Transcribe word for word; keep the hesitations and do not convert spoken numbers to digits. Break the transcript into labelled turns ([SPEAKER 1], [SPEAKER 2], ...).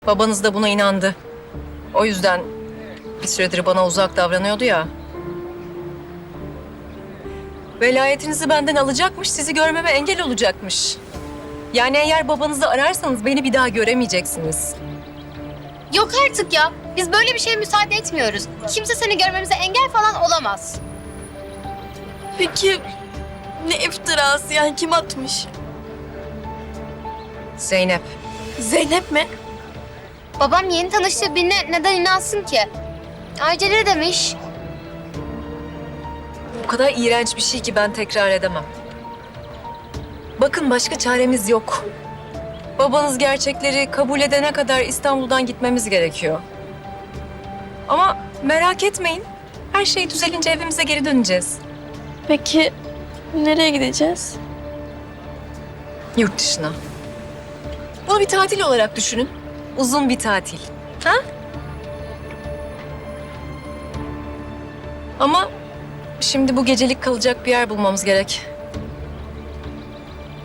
[SPEAKER 1] Babanız da buna inandı. O yüzden bir süredir bana uzak davranıyordu ya. Velayetinizi benden alacakmış, sizi görmeme engel olacakmış. Yani eğer babanızı ararsanız beni bir daha göremeyeceksiniz.
[SPEAKER 2] Yok artık ya. Biz böyle bir şeye müsaade etmiyoruz. Kimse seni görmemize engel falan olamaz.
[SPEAKER 3] Peki ne iftirası yani kim atmış?
[SPEAKER 1] Zeynep,
[SPEAKER 3] Zeynep mi?
[SPEAKER 2] Babam yeni tanıştığı birine neden inansın ki? Ayrıca ne demiş?
[SPEAKER 1] bu kadar iğrenç bir şey ki ben tekrar edemem. Bakın başka çaremiz yok. Babanız gerçekleri kabul edene kadar İstanbul'dan gitmemiz gerekiyor. Ama merak etmeyin. Her şey düzelince evimize geri döneceğiz.
[SPEAKER 3] Peki nereye gideceğiz?
[SPEAKER 1] Yurt dışına. Bunu bir tatil olarak düşünün. Uzun bir tatil. Ha? Ama şimdi bu gecelik kalacak bir yer bulmamız gerek.